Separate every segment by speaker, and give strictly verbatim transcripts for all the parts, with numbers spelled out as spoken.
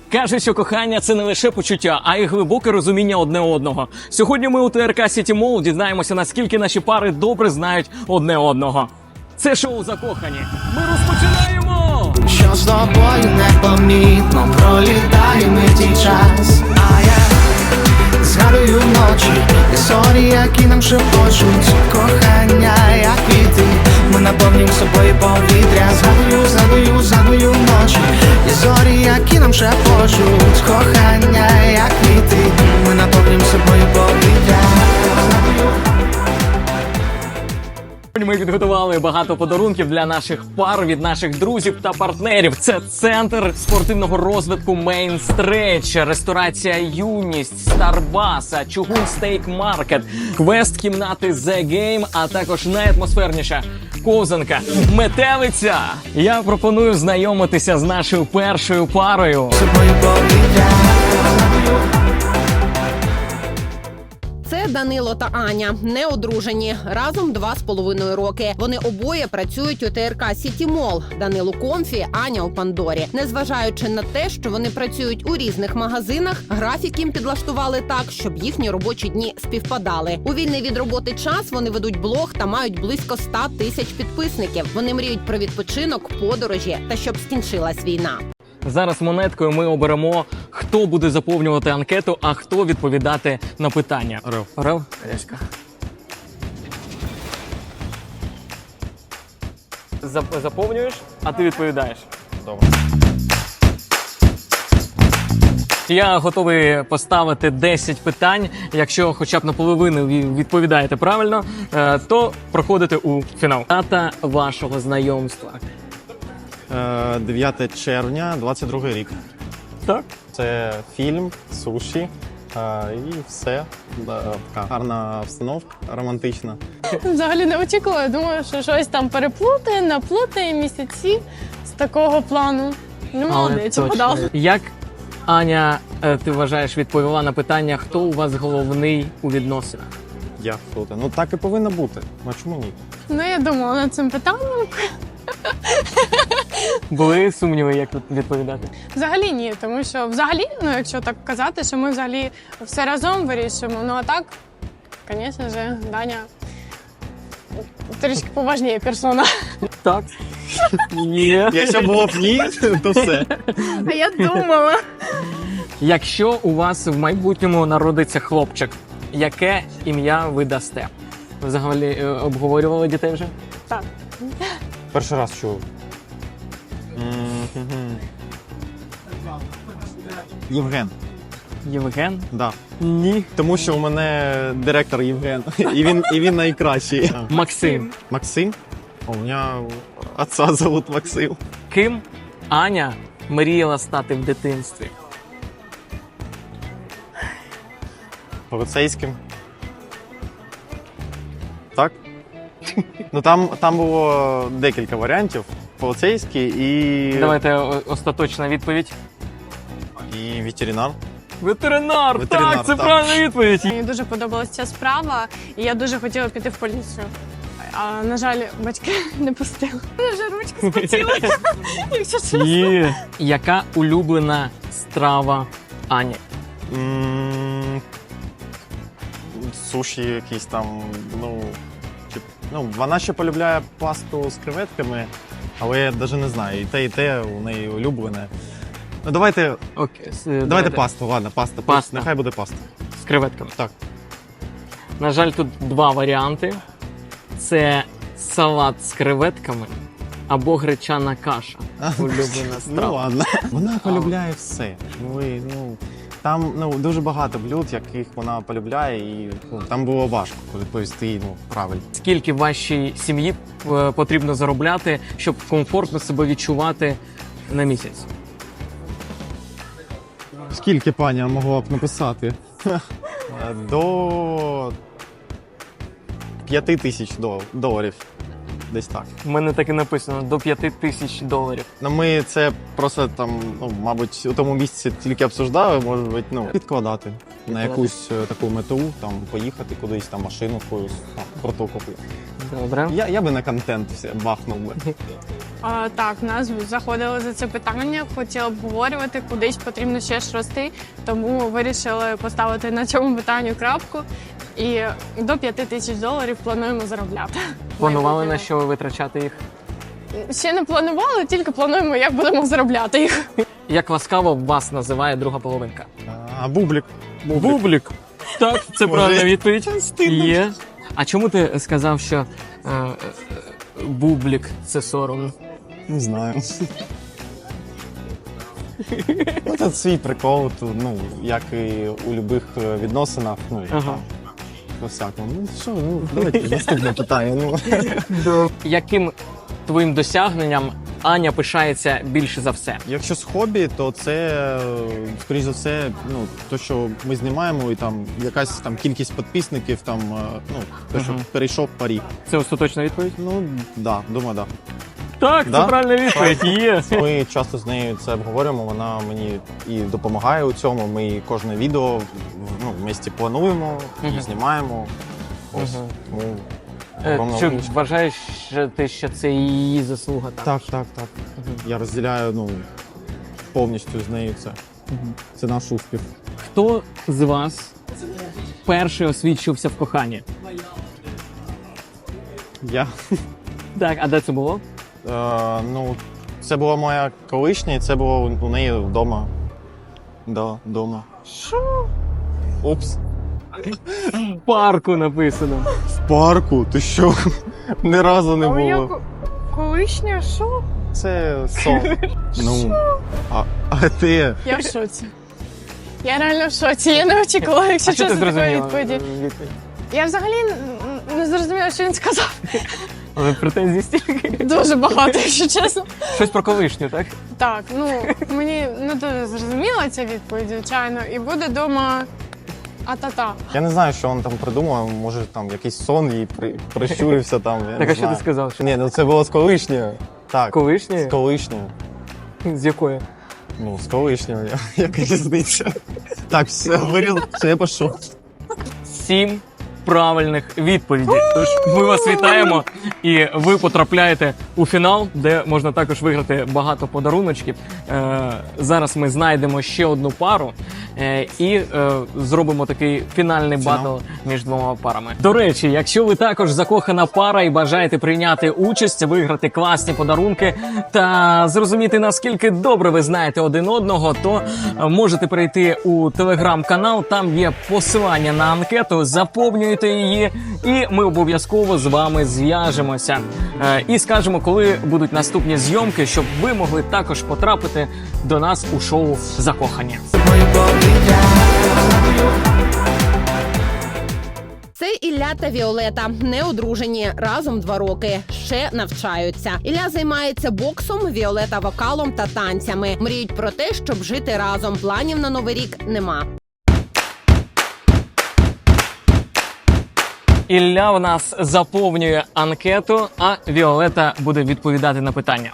Speaker 1: Каже, що кохання – це не лише почуття, а й глибоке розуміння одне одного. Сьогодні ми у ТРК City Mall дізнаємося, наскільки наші пари добре знають одне одного. Це шоу «Закохані». Ми розпочинаємо!
Speaker 2: Що з тобою непомітно пролітає митій час. А я згадую ночі, історії, які нам шепочуть. Кохання, як квіти, ми наповнюємо собою повітря. Згадую, згадую, згадую ночі, є зорі, які нам шепочуть. Кохання, як квіти, ми наповнюємо собою повітря.
Speaker 1: Ми підготували багато подарунків для наших пар від наших друзів та партнерів. Це центр спортивного розвитку Main Stretch, ресторація Юність, Старбаса, Чугун Стейк Маркет, квест-кімнати The Game, а також найатмосферніша ковзанка Метелиця. Я пропоную знайомитися з нашою першою парою.
Speaker 2: Собою повітря.
Speaker 3: Це Данило та Аня, не одружені, разом два з половиною роки. Вони обоє працюють у ТРК City Mall. Данил у Комфі, Аня у Пандорі. Незважаючи на те, що вони працюють у різних магазинах, графік їм підлаштували так, щоб їхні робочі дні співпадали. У вільний від роботи час вони ведуть блог та мають близько ста тисяч підписників. Вони мріють про відпочинок, подорожі та щоб скінчилась війна.
Speaker 1: Зараз монеткою ми оберемо, хто буде заповнювати анкету, а хто відповідати на питання.
Speaker 4: Орел.
Speaker 1: Орел? Олеська. Зап- Заповнюєш, а ти відповідаєш.
Speaker 4: Добре.
Speaker 1: Я готовий поставити десять питань. Якщо хоча б наполовину ви відповідаєте правильно, е, то проходите у фінал. Дата вашого знайомства.
Speaker 4: Е, дев'яте червня, двадцять другий рік.
Speaker 1: Так?
Speaker 4: Це фільм, суші е, і все. Да, така гарна обстановка, романтична.
Speaker 5: Взагалі не очікувала. Думаю, що щось там переплутає, наплутає місяці з такого плану. Ну, молодець, подав.
Speaker 1: Як, Аня, е, ти вважаєш, відповіла на питання, хто у вас головний у відносинах?
Speaker 4: Я круто. Ну так і повинно бути. А чому ні?
Speaker 5: Ну, я думала над цим питанням.
Speaker 1: Були сумніви, як тут відповідати?
Speaker 5: Взагалі ні, тому що взагалі, ну якщо так казати, що ми взагалі все разом вирішуємо. Ну а так, звісно ж, Даня трішки поважніє персона.
Speaker 1: Так. Є.
Speaker 4: Якщо було б ні, то все.
Speaker 5: А я думала.
Speaker 1: Якщо у вас в майбутньому народиться хлопчик, яке ім'я ви дасте? Ви взагалі е, обговорювали дітей вже?
Speaker 5: Так.
Speaker 4: Перший раз чув. М-м-м. Євген.
Speaker 1: Євген?
Speaker 4: Да.
Speaker 1: Ні.
Speaker 4: Тому що у мене директор Євген. І він, і він найкращий.
Speaker 1: Максим.
Speaker 4: Максим? У мене отца зовут Максим.
Speaker 1: Ким Аня мріяла стати в дитинстві?
Speaker 4: Поліцейським. Так? Ну там, там було декілька варіантів. Поліцейський і...
Speaker 1: Давайте о- остаточна відповідь.
Speaker 4: І ветеринар.
Speaker 1: Ветеринар!
Speaker 4: Ветеринар,
Speaker 1: так, це
Speaker 4: так.
Speaker 1: правильна відповідь.
Speaker 5: Мені дуже подобалася ця справа, і я дуже хотіла піти в поліцію. А, на жаль, батьки не пустили. Мене вже ручка спотіла, якщо чесно.
Speaker 1: Є. Яка улюблена страва Ані?
Speaker 4: М, Суші якісь там, ну... чи- Ну, вона ще полюбляє пасту з креветками, але я навіть не знаю, і те, і те у неї улюблене. Ну, давайте,
Speaker 1: Окей. с-
Speaker 4: давайте пасту, ладно, паста.
Speaker 1: Паста.
Speaker 4: Нехай буде паста.
Speaker 1: З креветками.
Speaker 4: Так.
Speaker 1: На жаль, тут два варіанти. Це салат з креветками або гречана каша. Улюблена
Speaker 4: Ну
Speaker 1: страва.
Speaker 4: ладно. Вона полюбляє все. Ну, і, ну, там ну, дуже багато блюд, яких вона полюбляє, і ну, там було важко відповісти ну, правильно.
Speaker 1: Скільки вашій сім'ї е, потрібно заробляти, щоб комфортно себе відчувати на місяць?
Speaker 4: Скільки пані могла б написати? До п'яти тисяч дол- доларів. Десь так.
Speaker 1: У мене так і написано до п'яти тисяч доларів.
Speaker 4: Ну, ми це просто там, ну, мабуть, у тому місці тільки обсуждали, може бути, ну, підкладати на якусь е, таку мету, там, поїхати кудись, там, машину якусь, там, круту купити.
Speaker 1: Добре.
Speaker 4: Я, я би на контент все бахнув би.
Speaker 5: А, так, нас заходили за це питання, хотіли обговорювати, кудись потрібно ще ж рости, тому вирішили поставити на цьому питанню крапку. І до п'яти тисяч доларів плануємо заробляти.
Speaker 1: Планували на що ви витрачати їх?
Speaker 5: Ще не планували, тільки плануємо, як будемо заробляти їх.
Speaker 1: Як ласкаво вас називає друга половинка?
Speaker 4: А бублік.
Speaker 1: Бублік. Так, це
Speaker 4: Може,
Speaker 1: правильна відповідь.
Speaker 4: стидно.
Speaker 1: Є. А чому ти сказав, що е, е, бублік це соромно?
Speaker 4: Не знаю. Ну, це свій прикол, то, ну, як і у будь-яких відносинах, ну,
Speaker 1: Ага.
Speaker 4: по всякому. Ну, що, ну, давайте наступне питання. Ну.
Speaker 1: Яким твоїм досягненням Аня пишається більше за все?
Speaker 4: Якщо з хобі, то це, е, скоріш за все, ну, то, що ми знімаємо, і там якась там кількість підписників, там, е, ну, те, що
Speaker 1: Мгм.
Speaker 4: перейшов парі.
Speaker 1: Це остаточна відповідь?
Speaker 4: Ну, да, думаю, да.
Speaker 1: Так,
Speaker 4: Да?
Speaker 1: це правильна відповідь. Є.
Speaker 4: Ми часто з нею це обговорюємо, вона мені і допомагає у цьому. Ми кожне відео в- ну, в місті плануємо і
Speaker 1: Мгм.
Speaker 4: знімаємо. Ось,
Speaker 1: Мгм.
Speaker 4: тому
Speaker 1: Е,
Speaker 4: огромна
Speaker 1: Чи
Speaker 4: умничка.
Speaker 1: вважаєш що ти, що це її заслуга? Так.
Speaker 4: Так, так, так. Я розділяю ну, повністю з нею це. Це наш успіх.
Speaker 1: Хто з вас перший освідчився в коханні?
Speaker 4: Я.
Speaker 1: Так, а де це було?
Speaker 4: Е, ну, це була моя колишня, і це було у неї вдома. Да, вдома.
Speaker 5: Що?
Speaker 4: Упс.
Speaker 1: В парку написано.
Speaker 4: В парку? Ти що? Ні разу не
Speaker 5: А моя
Speaker 4: було.
Speaker 5: ко- колишня що?
Speaker 4: Це сон. Ну, а, а ти?
Speaker 5: Я в шоці. Я реально в шоці. Я не очікувала, якщо
Speaker 1: А що ти
Speaker 5: чесно, такої
Speaker 1: зрозуміла?
Speaker 5: відповіді. Я взагалі н- не зрозуміла, що він сказав.
Speaker 1: Але претензій стільки.
Speaker 5: Дуже багато, якщо чесно.
Speaker 1: Щось про колишню, так?
Speaker 5: Так, ну мені не дуже зрозуміла ця відповідь, звичайно, і буде вдома а-та-та.
Speaker 4: Я не знаю, що він там придумав. Може, там якийсь сон їй при... прищурився там. Я
Speaker 1: Так,
Speaker 4: не
Speaker 1: а що
Speaker 4: знаю.
Speaker 1: ти сказав? Що
Speaker 4: Ні, ну це було з колишньою. Так,
Speaker 1: колишньою?
Speaker 4: з колишньою.
Speaker 1: З якої?
Speaker 4: Ну, з колишньою. Яка різниця? Так, все, виріл, все, я пішов.
Speaker 1: Сім правильних відповідей. Тож ми вас вітаємо, і ви потрапляєте у фінал, де можна також виграти багато подаруночків. Е, зараз ми знайдемо ще одну пару е, і е, зробимо такий фінальний
Speaker 4: Фінал.
Speaker 1: батл між двома парами. До речі, якщо ви також закохана пара і бажаєте прийняти участь, виграти класні подарунки та зрозуміти, наскільки добре ви знаєте один одного, то е, можете перейти у телеграм-канал. Там є посилання на анкету. Заповнюйте її, і ми обов'язково з вами зв'яжемося е, і скажемо, коли будуть наступні зйомки, щоб ви могли також потрапити до нас у шоу «Закохані».
Speaker 2: Мої повітря.
Speaker 3: Це Ілля та Віолета, не одружені, разом два роки, ще навчаються. Ілля займається боксом, Віолета вокалом та танцями. Мріють про те, щоб жити разом. Планів на новий рік нема.
Speaker 1: Ілля в нас заповнює анкету, а Віолета буде відповідати на питання.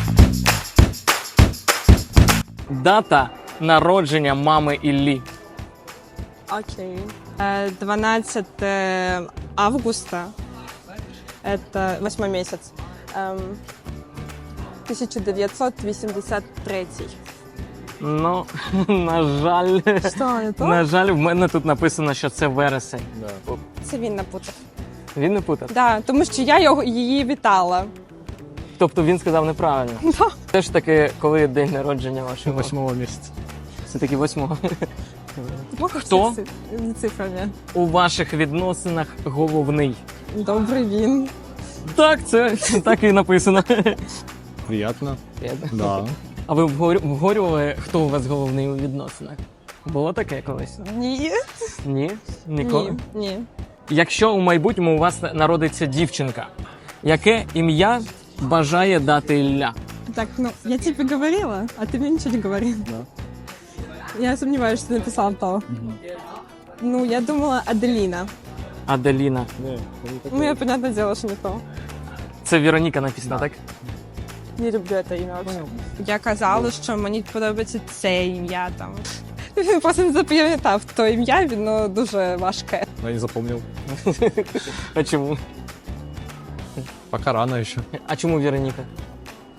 Speaker 1: Дата народження мами Іллі.
Speaker 6: Окей. Э, двенадцатого августа. Это восьмой месяц. Эм, тысяча девятьсот восемьдесят третий.
Speaker 1: Ну, на жаль,
Speaker 6: Что, не то?
Speaker 1: на жаль, в мене тут написано, що це вересень.
Speaker 6: Це він напутав.
Speaker 1: Він не путав.
Speaker 6: Да, тому що я його, її вітала.
Speaker 1: Тобто він сказав неправильно. Все ж таки, коли день народження вашого?
Speaker 4: Восьмого місяця.
Speaker 1: Все таки восьмого.
Speaker 6: Хто?
Speaker 1: Хто?
Speaker 6: Цифрами.
Speaker 1: У ваших відносинах головний.
Speaker 6: Добрий він.
Speaker 1: Так, це так і написано.
Speaker 4: Приємно. Да.
Speaker 1: А ви обговорю- обговорювали, хто у вас головний у відносинах? Було таке колись?
Speaker 6: Ні.
Speaker 1: Ні? Ніколи?
Speaker 6: Ні. Ні.
Speaker 1: Якщо у майбутньому у вас народиться дівчинка, яке ім'я бажає дати Ілля?
Speaker 6: Так, ну, я тебе говорила, а ты мне ничего не говорил. Я сомневаюсь, что ты написал то. Ну, я думала Аделина.
Speaker 1: Аделіна.
Speaker 6: Ну, я, понятное дело, что не то.
Speaker 1: Це Вероніка написано, так?
Speaker 6: Не люблю це ім'я вообще. Я казала, що мені подобається це ім'я там. Він просто не запам'ятав то ім'я, воно дуже важке.
Speaker 7: Я не запомнил.
Speaker 1: А чому?
Speaker 7: Пока рано еще.
Speaker 1: А чому Вероніка?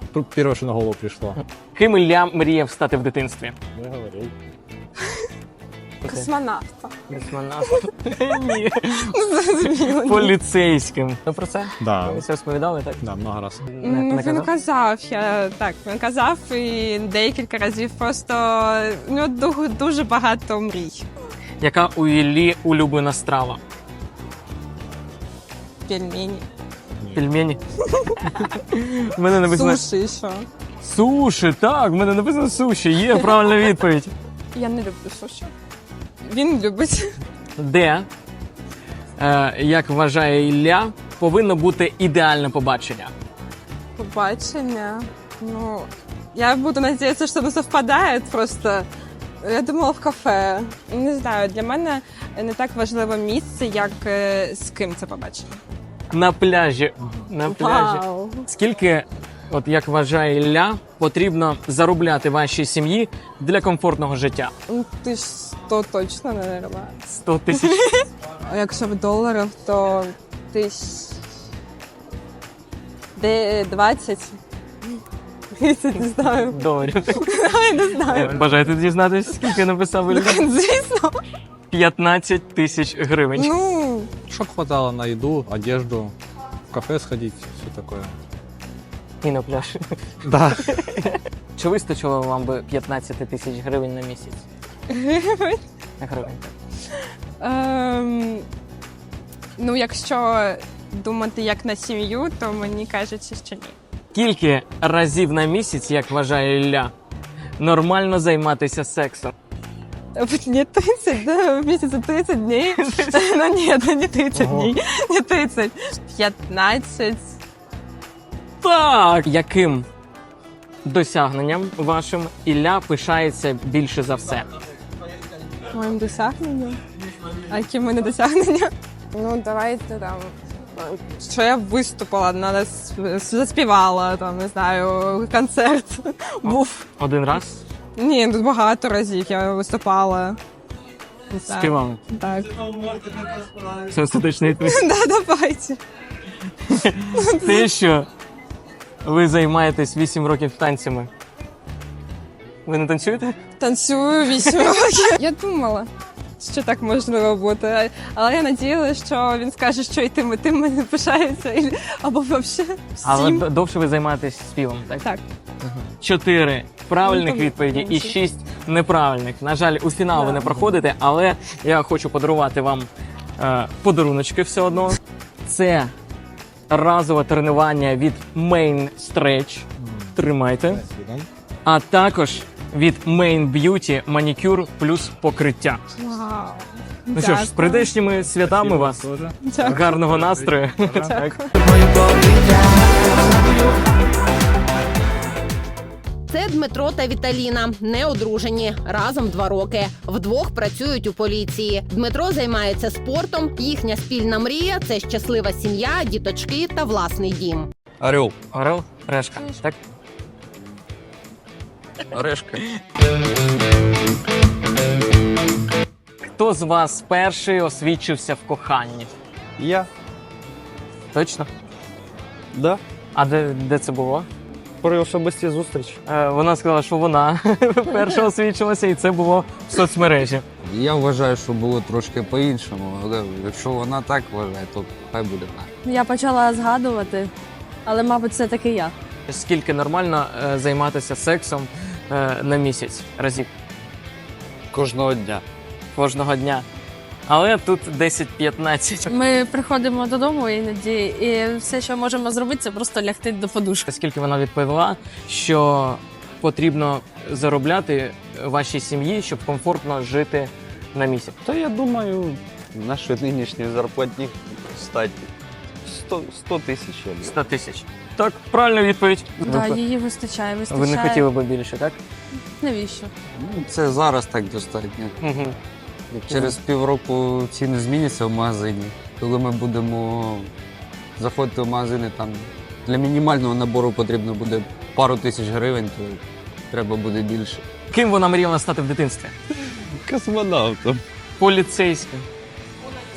Speaker 7: Первое, что на голову пришло.
Speaker 1: Ким Ілля мріяв стати в дитинстві?
Speaker 7: Я говорил.
Speaker 6: Космонавта.
Speaker 1: Космонавтом? Ні.
Speaker 6: Зрозуміло.
Speaker 1: Поліцейським. Ну про це?
Speaker 7: Да,
Speaker 1: Ви це розповідали, так?
Speaker 7: да, много раз.
Speaker 1: Не,
Speaker 6: Ну,
Speaker 1: не
Speaker 6: він
Speaker 1: казав?
Speaker 6: казав, я так, він казав і декілька разів просто у нього ду- дуже багато мрій.
Speaker 1: Яка у Іллі улюблена страва?
Speaker 6: Пельмені.
Speaker 1: Пельмені? В мене написано
Speaker 6: Суші, що?
Speaker 1: суші, так, в мене написано суші, є правильна відповідь.
Speaker 6: Я не люблю суші. Він любить.
Speaker 1: Де, е, як вважає Ілля, повинно бути ідеальне побачення?
Speaker 6: Побачення. Ну, я буду надіятися, що не совпадає просто. Я думала в кафе. Не знаю, для мене не так важливе місце, як е, з ким це побачення.
Speaker 1: На пляжі. На пляжі.
Speaker 6: Вау.
Speaker 1: Скільки, от як вважає Ілля, потрібно заробляти вашій сім'ї для комфортного життя?
Speaker 6: Ну, ти ж сто точно, не нормально.
Speaker 1: сто тисяч
Speaker 6: А якщо в доларах, то тисяч де двадцять. тридцять, не знаю.
Speaker 1: доларів.
Speaker 6: Я не знаю.
Speaker 1: Бажаєте дізнатися, скільки написав Ілля?
Speaker 6: Звісно.
Speaker 1: п'ятнадцять тисяч гривень.
Speaker 6: Ну,
Speaker 7: Чтоб хватало на еду, одежду, в кафе сходить, все такое.
Speaker 1: І на пляж.
Speaker 7: Да.
Speaker 1: Чи вистачило вам би п'ятнадцять тисяч гривень на місяць?
Speaker 6: гривень.
Speaker 1: Гривень.
Speaker 6: Ем, ну, якщо думати як на сім'ю, то мені кажеться, що ні.
Speaker 1: Скільки разів на місяць, як вважає Ілля, нормально займатися сексом?
Speaker 6: Не тридцять, да? В місяці тридцять днів. Ну ні, ну не тридцять
Speaker 7: Ого.
Speaker 6: днів, не тридцять. п'ятнадцять.
Speaker 1: Так! Яким досягненням вашим Ілля пишається більше за все?
Speaker 6: Моїм досягненням? А які в мене досягнення? Ну, давайте там. Що я виступила, на- заспівала, там, не знаю, концерт був.
Speaker 1: Один раз
Speaker 6: Ні, тут багато разів я виступала. Не знаю.
Speaker 1: співав.
Speaker 6: Так.
Speaker 1: Це остаточний відповідь.
Speaker 6: Да, давайте.
Speaker 1: Те, що ви займаєтесь вісім років танцями. Ви не танцюєте?
Speaker 6: Танцюю вісім років. Я думала, що так можливо бути. Але я надіялася, що він скаже, що і тим, і тим мене пишається. і- Або взагалі
Speaker 1: Але
Speaker 6: всім.
Speaker 1: д- довше ви займаєтесь співом, так?
Speaker 6: Так.
Speaker 1: Чотири правильних
Speaker 6: Ну, то
Speaker 1: відповіді і
Speaker 6: менше.
Speaker 1: шість неправильних. На жаль, у фінал ви
Speaker 6: Да.
Speaker 1: не проходите, але я хочу подарувати вам е, подаруночки все одно. Це разове тренування від Main Stretch. Тримайте. А також від Main Beauty манікюр плюс покриття.
Speaker 6: Вау.
Speaker 1: Ну що ж, з прийдешніми святами вас.
Speaker 7: Тоже.
Speaker 6: Дякую.
Speaker 1: Гарного настрою. Так.
Speaker 2: Мої повітря.
Speaker 3: Це Дмитро та Віталіна, не одружені, разом два роки. Вдвох працюють у поліції. Дмитро займається спортом. Їхня спільна мрія це щаслива сім'я, діточки та власний дім.
Speaker 8: Орел.
Speaker 1: Орел, решка. Так?
Speaker 8: Орешка.
Speaker 1: Хто з вас перший освідчився в коханні?
Speaker 8: Я.
Speaker 1: Точно?
Speaker 8: Да.
Speaker 1: А де, де це було?
Speaker 8: При особистій зустрічі.
Speaker 1: Е, вона сказала, що вона перша освідчилася, і це було в соцмережі.
Speaker 9: Я вважаю, що було трошки по-іншому, але якщо вона так вважає, то хай буде так.
Speaker 10: Я почала згадувати, але, мабуть, це таки я.
Speaker 1: Скільки нормально е, займатися сексом е, на місяць разів
Speaker 8: Кожного дня.
Speaker 1: кожного дня? Але тут десять-п'ятнадцять.
Speaker 10: Ми приходимо додому іноді, і все, що можемо зробити, це просто лягти до подушки.
Speaker 1: Скільки вона відповіла, що потрібно заробляти вашій сім'ї, щоб комфортно жити на місяць.
Speaker 8: Та я думаю, нашої нинішньої зарплатні стать сто тисяч. я думаю.
Speaker 1: сто тисяч. Так, правильна відповідь.
Speaker 10: Да,
Speaker 1: ви,
Speaker 10: її вистачає, вистачає.
Speaker 1: ви не хотіли би більше, так?
Speaker 10: Навіщо?
Speaker 9: Ну, це зараз так достатньо.
Speaker 1: Угу.
Speaker 9: Через півроку ціни зміняться в магазині. Коли ми будемо заходити в магазини, там для мінімального набору потрібно буде пару тисяч гривень, то треба буде більше.
Speaker 1: Ким вона мріяла стати в дитинстві?
Speaker 8: Космонавтом.
Speaker 1: Поліцейським.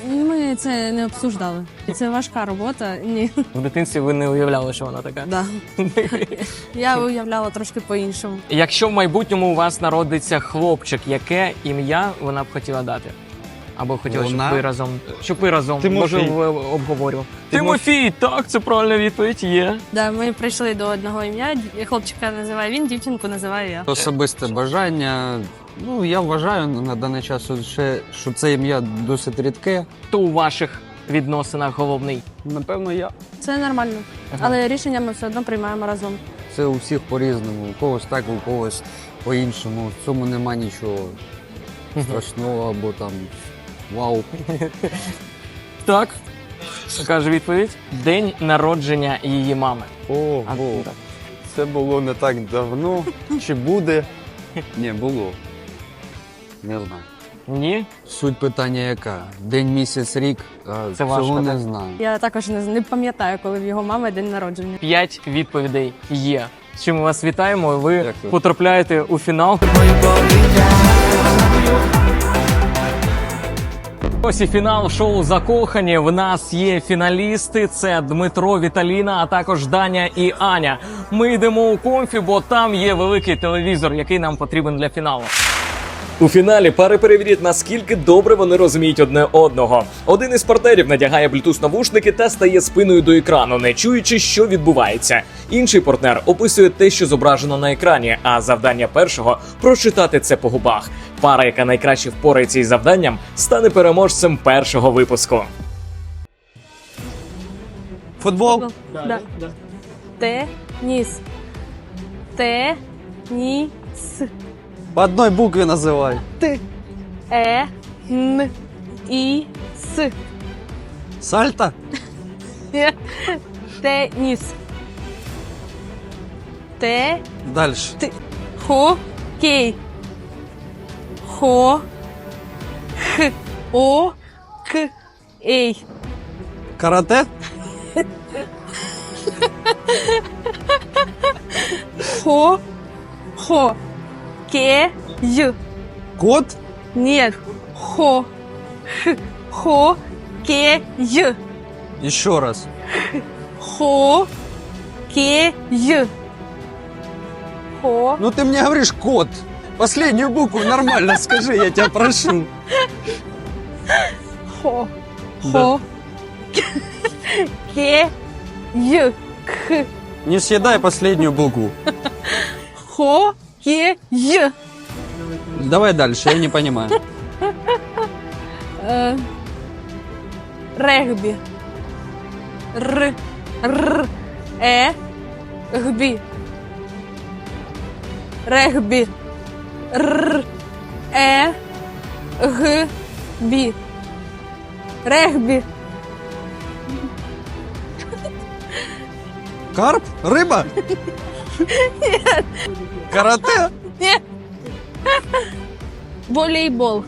Speaker 10: Ми це не обсуждали. Це важка робота. Ні.
Speaker 1: В дитинстві ви не уявляли, що вона така.
Speaker 10: Да. Я уявляла трошки по-іншому.
Speaker 1: Якщо в майбутньому у вас народиться хлопчик, яке ім'я вона б хотіла дати? Або хотіла, щоб
Speaker 8: Вона?
Speaker 1: ви разом, щоб ви разом,
Speaker 4: Тимофій.
Speaker 1: може, ви обговорювали. Тимофій, так, це правильна відповідь є.
Speaker 10: Да, ми прийшли до одного ім'я. Хлопчика називає він, дівчинку називаю я.
Speaker 9: Особисте бажання. Ну, я вважаю на даний час, ще, що це ім'я досить рідке.
Speaker 1: Хто у ваших відносинах головний?
Speaker 9: Напевно, я.
Speaker 10: Це нормально. Але рішення ми все одно приймаємо разом.
Speaker 9: Це у всіх по-різному. У когось так, у когось по-іншому. В цьому нема нічого страшного або там вау.
Speaker 1: Так, каже відповідь. День народження її мами.
Speaker 8: Ого,
Speaker 1: А, так.
Speaker 8: це було не так давно. Чи буде? Ні, було. Не знаю.
Speaker 1: Ні?
Speaker 9: Суть питання яка? День, місяць, рік, а
Speaker 1: Це важко,
Speaker 9: цього не
Speaker 1: так?
Speaker 9: знаю.
Speaker 10: Я також не, не пам'ятаю, коли в його мами день народження.
Speaker 1: П'ять відповідей є. З чим ми вас вітаємо. Ви
Speaker 9: Дякую.
Speaker 1: потрапляєте у фінал. Ось і фінал шоу «Закохані». В нас є фіналісти. Це Дмитро, Віталіна, а також Даня і Аня. Ми йдемо у комфі, бо там є великий телевізор, який нам потрібен для фіналу. У фіналі пари перевірять, наскільки добре вони розуміють одне одного. Один із партнерів надягає блютуз-навушники та стає спиною до екрану, не чуючи, що відбувається. Інший партнер описує те, що зображено на екрані, а завдання першого – прочитати це по губах. Пара, яка найкраще впорається із завданням, стане переможцем першого випуску.
Speaker 8: Футбол?
Speaker 10: Да. Теніс. Теніс.
Speaker 8: По одной букве называй.
Speaker 10: Е. Н. І. С.
Speaker 8: Сальто?
Speaker 10: Теніс. Те.
Speaker 8: Дальше.
Speaker 10: Хокей. Хо. Х. О. К. Ей.
Speaker 8: Карате?
Speaker 10: Хо. Хо. Ке. Й.
Speaker 8: Кот?
Speaker 10: Нет. Хо. Х. Хо. Ке. Й.
Speaker 8: Еще раз.
Speaker 10: Хо. Ке. Й. Хо.
Speaker 8: Ну ты мне говоришь кот. Последнюю букву нормально скажи, я тебя прошу.
Speaker 10: Хо. Хо. Ке. Й. К.
Speaker 8: Не съедай последнюю букву.
Speaker 10: Хо. Ке. Й.
Speaker 8: Давай дальше, я не понимаю.
Speaker 10: Е, Регбі. Р. Р. Е. Гбі. Регбі. Р. Е. Г. Бі. Регбі.
Speaker 8: Карп? Рыба? Нет. Карате?
Speaker 10: Ні. Волейбол.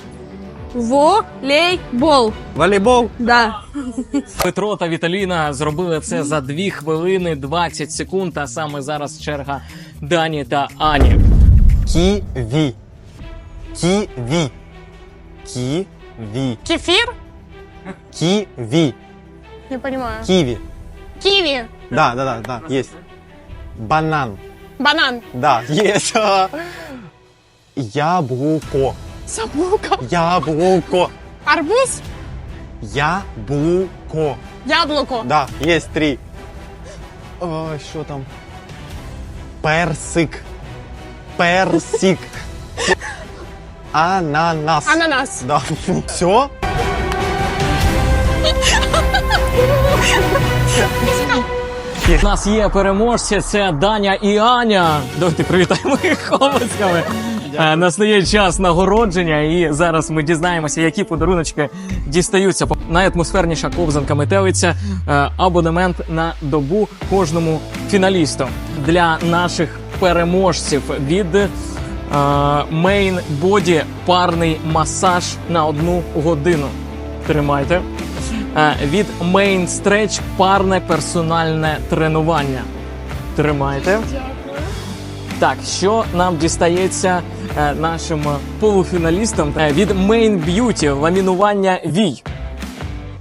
Speaker 10: Волейбол.
Speaker 8: Волейбол?
Speaker 10: Да.
Speaker 1: Петро та Віталіна зробили це за дві хвилини двадцять секунд, а саме зараз черга Дані та Ані.
Speaker 4: Ківі. Ківі. Ківі.
Speaker 5: Кефір?
Speaker 4: Ківі.
Speaker 5: Не понимаю.
Speaker 4: Ківі.
Speaker 5: Ківі.
Speaker 4: Да, да, да, да, есть. Банан.
Speaker 5: Банан.
Speaker 4: Да, есть. Яблуко.
Speaker 5: Забука.
Speaker 4: Яблуко.
Speaker 5: Арбуз?
Speaker 4: Яблуко.
Speaker 5: Яблуко.
Speaker 4: Да, есть три. Ой, что там? Персик. Персик. Ананас.
Speaker 5: Ананас.
Speaker 4: Да. Все?
Speaker 1: У нас є переможці, це Даня і Аня. Давайте привітаємо їх обласками. Е, Настає час нагородження, і зараз ми дізнаємося, які подаруночки дістаються. Найатмосферніша ковзанка метелиця, е, абонемент на добу кожному фіналісту. Для наших переможців від е, Main Body парний масаж на одну годину. Тримайте. Е, Від Main Stretch парне персональне тренування. Тримайте. Так, що нам дістається е, нашим полуфіналістам? Е, від Main Beauty ламінування вій.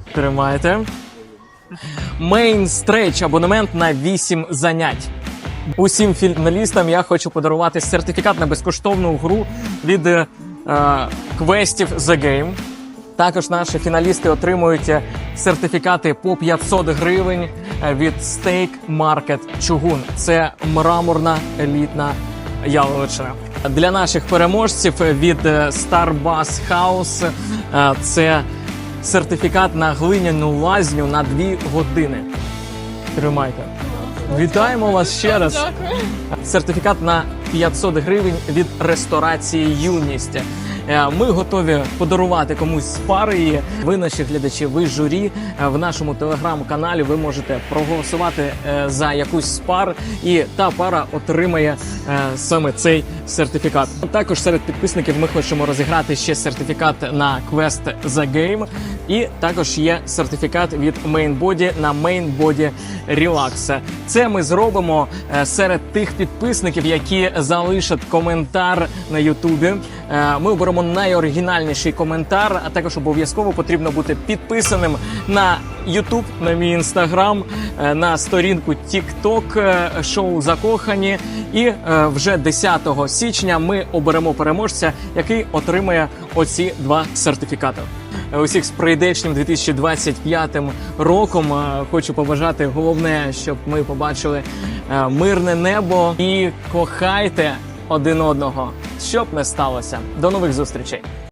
Speaker 1: Тримайте. Main Stretch – абонемент на вісім занять. Усім фіналістам я хочу подарувати сертифікат на безкоштовну гру від е, квестів The Game. Також наші фіналісти отримують сертифікати по п'ятсот гривень від Steak Market Чугун. Це мраморна елітна яловичина. Для наших переможців від Starbass House е, це сертифікат на глиняну лазню на дві години. Тримайте. Вітаємо вас ще раз. Сертифікат на п'ятсот гривень від ресторації «Юність». Ми готові подарувати комусь з пари. І ви, наші глядачі, ви журі. В нашому телеграм-каналі ви можете проголосувати за якусь з пар, і та пара отримає саме цей сертифікат. Також серед підписників ми хочемо розіграти ще сертифікат на квест The Game. І також є сертифікат від Mainbody на Mainbody Relax. Це ми зробимо серед тих підписників, які залишать коментар на Ютубі. Ми оберемо найоригінальніший коментар, а також обов'язково потрібно бути підписаним на Ютуб, на мій Інстаграм, на сторінку Тік-Ток шоу «Закохані». І вже десятого січня ми оберемо переможця, який отримає оці два сертифікати. Усіх з прийдешнім дві тисячі двадцять п'ятим роком. Хочу побажати головне, щоб ми побачили мирне небо і кохайте один одного, щоб не сталося. До нових зустрічей!